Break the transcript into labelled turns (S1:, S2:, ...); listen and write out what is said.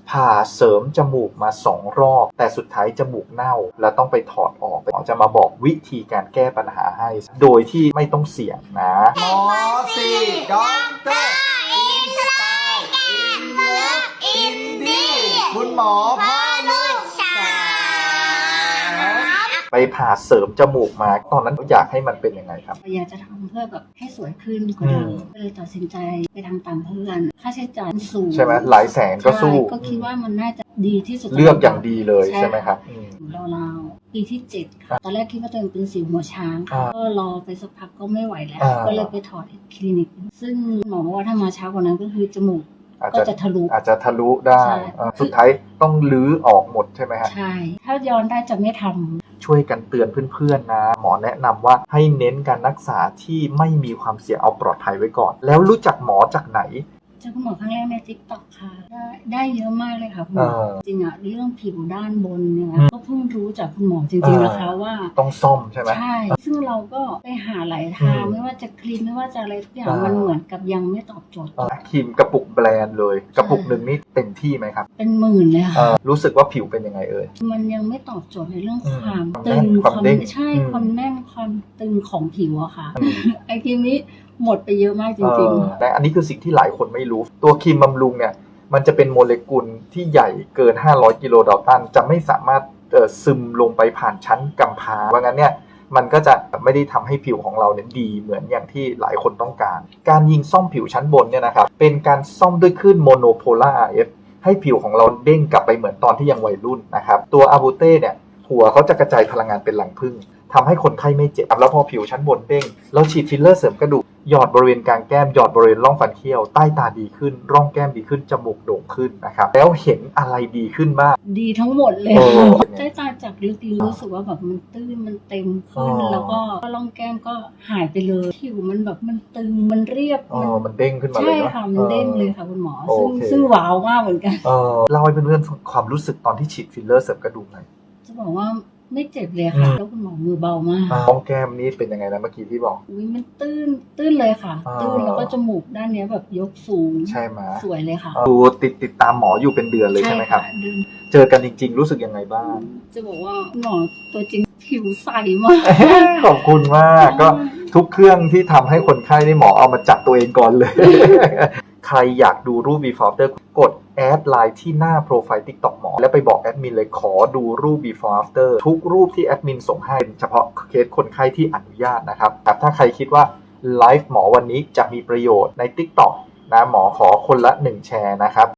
S1: ผ่าเสริมจมูกมา2 รอบแต่สุดท้ายจมูกเน่าแล้วต้องไปถอดออกหมอจะมาบอกวิธีการแก้ปัญหาให้โดยที่ไม่ต้องเสี่ยงนะ
S2: หมอสีด็อกเตอร์อินสไตล์อินเลิฟอินดี้คุณหมอพ่อลูกสาว
S1: ไปผ่าเสริมจมูกมาตอนนั้นอยากให้มันเป็นยังไงครับ
S3: อยากจะทำเพื่อแบบให้สวยขึ้นกว่าเดิมก็เลยตัดสินใจไปทำตามเพื่อนค่าใช้จ่ายสูง
S1: ใช่ไหมหลายแสนก็สู้
S3: ก็คิดว่ามันน่าจะดีที่สุด
S1: เลือกอย่างดีเลยใช่ไหมครับ
S3: ราวๆปีที่7ค่ะตอนแรกคิดว่าตัวเองเป็นสิวหัวช้างก็รอไปสักพักก็ไม่ไหวแล้วก็เลยไปถอดคลินิกซึ่งหมอบอกว่าถ้ามาช้ากว่านั้นก็คือจมูกก็จะทะ
S1: ลุได้สุดท้ายต้องลื้อออกหมดใช่ไหมฮะ
S3: ใช่ถ้าย้อนได้จะไม่ทำ
S1: ช่วยกันเตือนเพื่อนๆนะหมอแนะนำว่าให้เน้นการรักษาที่ไม่มีความเสี่ยงเอาปลอดภัยไว้ก่อนแล้วรู้จักหมอจากไหน
S3: เจอคุณหมอครั้งแรกใน TikTok ค่ะได้เยอะมากเลยค่ะคุณหมอจริงเรื่องผิวด้านบนเนี่ยก็เพิ่งรู้จากคุณหมอจริงๆนะคะว่า
S1: ต้องซ่อมใช่ไหม
S3: ใช่ซึ่งเราก็ไปหาหลายทางไม่ว่าจะครีมไม่ว่าจะอะไรทุกอย่างมันเหมือนกับยังไม่ตอบโจทย์
S1: ครีมกระปุกแบรนด์เลยกระปุกหนึ่งนี่เต็มที่ไหมครับ
S3: เป็นหมื่นเลยค่ะ
S1: รู้สึกว่าผิวเป็นยังไง
S3: มันยังไม่ตอบโจทย์ในเรื่องความตึงความใช่ความแน่นความตึงของผิวอะค่ะไอครีมนี้หมดไปเยอะมากจริง
S1: ๆและอันนี้คือสิ่งที่หลายคนไม่รู้ตัวครีมบำรุงเนี่ยมันจะเป็นโมเลกุลที่ใหญ่เกิน500กิโลดัลตันจะไม่สามารถซึมลงไปผ่านชั้นกำพร้าเพราะงั้นเนี่ยมันก็จะไม่ได้ทำให้ผิวของเราเนี่ยดีเหมือนอย่างที่หลายคนต้องการยิงซ่อมผิวชั้นบนเนี่ยนะครับเป็นการซ่อมด้วยคลื่นโมโนโพล่า RF ให้ผิวของเราเด้งกลับไปเหมือนตอนที่ยังวัยรุ่นนะครับตัวอาบูเต้เนี่ยหัวเขาจะกระจายพลังงานเป็นรังผึ้งทำให้คนไข้ไม่เจ็บแล้วพอผิวชั้นบนเด้งเราฉีดฟิลเลอร์เสริมกระดูกหยอดบริเวณกลางแก้มหยอดบริเวณร่องฟันเคี้ยวใต้ตาดีขึ้นร่องแก้มดีขึ้นจมูกโด่งขึ้นนะครับแล้วเห็นอะไรดีขึ้นบ้าง
S3: ดีทั้งหมดเลยใต้ตาจากลึกๆรู้สึกว่าแบบมันตื้นมันเต็มขึ้นแล้วก็ร่องแก้มก็หายไปเลยผิวมันแบบมันตึงมันเรียบ
S1: มันเด้งขึ้นมาเลย
S3: ใช่ค่ะมันเด้งเลยค่ะคุณหมอซึ่งว้าวมากเหมือนกัน
S1: เล่าให้เพื่อนๆความรู้สึกตอนที่ฉีดฟิลเลอร์เสริมกระดูกหน่อย
S3: จะบอกว่าไม่เจ็บเลยค่ะแล้วคุณหมอมือเบามาก
S1: ร่องแก้มนี่เป็นยังไงนะเมื่อกี้ที่บอก
S3: มันตื้นเลยค่ะตื้นแล้วก็จมูกด้านนี้แบบยกสูง
S1: ใช่ไหม
S3: สวยเลยค่ะ
S1: ดูติดตามหมออยู่เป็นเดือนเลยใช่ไหมครับเจอกันจริงๆรู้สึกยังไงบ้าง
S3: จะบอกว่าหมอตัวจริงผิวใสมาก
S1: ขอบคุณมากก็ทุกเครื่องที่ทำให้คนไข้นี่หมอเอามาจับตัวเองก่อนเลยใครอยากดูรูป before after กดแอดไลน์ที่หน้าโปรไฟล์ TikTok หมอแล้วไปบอกแอดมินเลยขอดูรูป before after ทุกรูปที่แอดมินส่งให้เฉพาะเคสคนไข้ที่อนุญาตนะครับถ้าใครคิดว่าไลฟ์หมอวันนี้จะมีประโยชน์ใน TikTok นะหมอขอคนละ1 แชร์นะครับ